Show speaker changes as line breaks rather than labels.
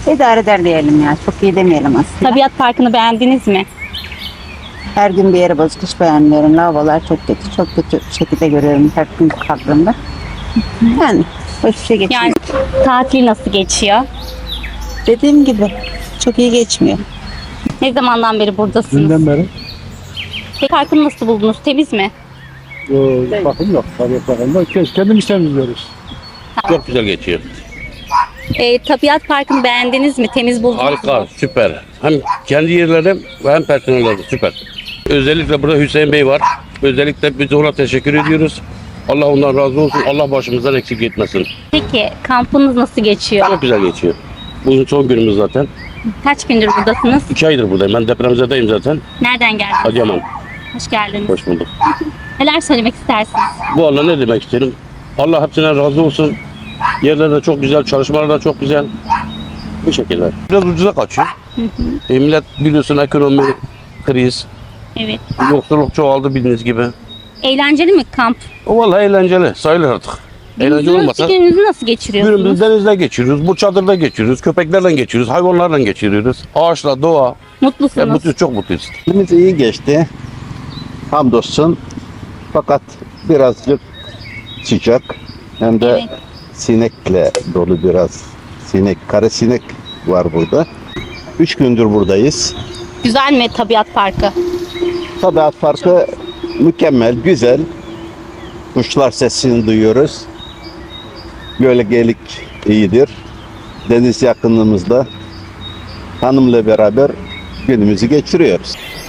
İdare eder diyelim ya. Çok iyi demeyelim aslında.
Tabiat Parkı'nı beğendiniz mi?
Her gün bir yere bozuk hiç beğenmiyorum. Lavabolar çok kötü. Çok kötü şekilde görüyorum her gün kaldığımda. Yani hoş bir şey geçmiyor.
Yani tatil nasıl geçiyor?
Dediğim gibi çok iyi geçmiyor.
Ne zamandan beri buradasınız?
Dünden beri
Parkını nasıl buldunuz? Temiz mi?
bakım yok. Tabiat bakımda kendimiz temizliyoruz.
Çok güzel geçiyor.
Tabiat Parkı'nı beğendiniz mi? Temiz buldunuz mu?
Harika, süper. Hem kendi yerlerim ve hem personelleri süper. Özellikle burada Hüseyin Bey var. Özellikle biz ona teşekkür ediyoruz. Allah ondan razı olsun. Allah başımızdan eksik etmesin.
Peki kampınız nasıl geçiyor?
Çok güzel geçiyor. Bugün son günümüz zaten.
Kaç gündür buradasınız?
2 aydır buradayım. Ben depremzedeyim zaten.
Nereden geldiniz?
Adıyaman.
Hoş geldiniz.
Hoş bulduk.
Neler söylemek istersiniz?
Bu Allah ne demek isterim? Allah hepsine razı olsun. Yerler de çok güzel, çalışmalar da çok güzel. Bu şekilde. Biraz ucuza kaçıyor. Millet biliyorsun ekonomi, kriz,
Evet.
yoksulluk çoğaldı bildiğiniz gibi.
Eğlenceli mi kamp?
O vallahi eğlenceli, sayılır artık. Eğlenceli olmasa
Gününüzü nasıl geçiriyorsunuz?
günümüzü denizde geçiriyoruz, bu çadırda geçiriyoruz, köpeklerle geçiriyoruz, hayvanlarla geçiriyoruz. Ağaçla, doğa. Ya
Mutlusunuz.
mutluyuz, çok mutluyuz.
Günümüz iyi geçti. Hamdolsun. Fakat birazcık sıcak. Hem de
Evet.
sinekle dolu biraz. Kara sinek var burada. 3 gündür buradayız.
Güzel mi Tabiat Parkı?
Tabiat Parkı mükemmel, güzel. Kuşlar sesini duyuyoruz. Gölgelik iyidir. Deniz yakınlığımızda hanımla beraber günümüzü geçiriyoruz.